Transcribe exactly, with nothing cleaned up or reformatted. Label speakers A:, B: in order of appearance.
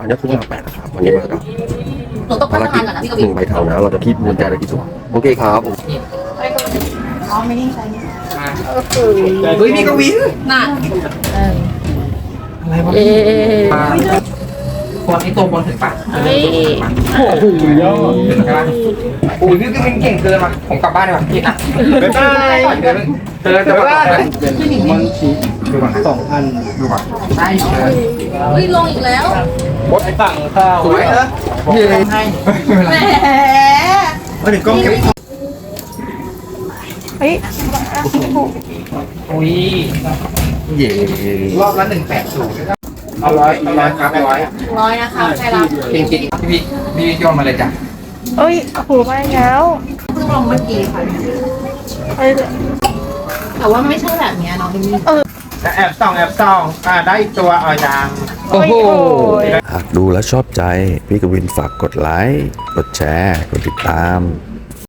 A: อันนี้คือเวลาแปดนะครับวันนี้มากับ
B: หนูต้อง
A: ภาร
B: ทำ
A: กิ
B: งา
A: จ
B: นก่อนนะพี่ก
A: ห
B: วิน
A: นึ่งใบเทานะเราจะคีบมูลใจได้กี่ตัวโอเคครับผม
B: อ๋อไม่ได้ใช้
C: เฮ้ยพี่กวิน
B: น่ะ
C: อะไรวะ
D: เอ๊ะ
C: คนนี้ตัวบนถึงปะ
D: เฮ้ย
C: โอ้โหยอดถึงใช่ปะโอ้ยพี่กวินเก่งเกินว่ะผมกลับบ้านดีกว่าพี่อ่ะบ๊ายบายเธอเธอจะว่ามันชี้ดูก่อนสองพันดูก่อนใช่เลย
B: เฮ้ยลงอีกแล้ว
C: บดไอ้ฝั่งข้าวสวยเออพี่ให้
B: แหม
C: มาถึงกล้องเก็บ
D: เฮ้ย
C: อุ้ย
A: เย่
C: รอบละหนึ่งแปดศูนย์เอาร้อยเอาร้อยครับร้อย
B: ร้อยนะคะใช่รับ
C: จริงจริงพี่พี่พี่โยนมาเลยจ้ะ
D: เอ้ยโหมาแล้ว
B: เพิ่งลงเมื่อกี้ค่ะ
D: เอ้ย
B: แต่ว่ามันไม่ใช่แบบเนี้ยน้องเอมี่
C: แอบส่องแอบส่องอ่าได้อีกตัวเอายัง
D: โอ้โห
A: หากดูแล้วชอบใจพี่กวินฝากกดไลค์กดแชร์กดติดตาม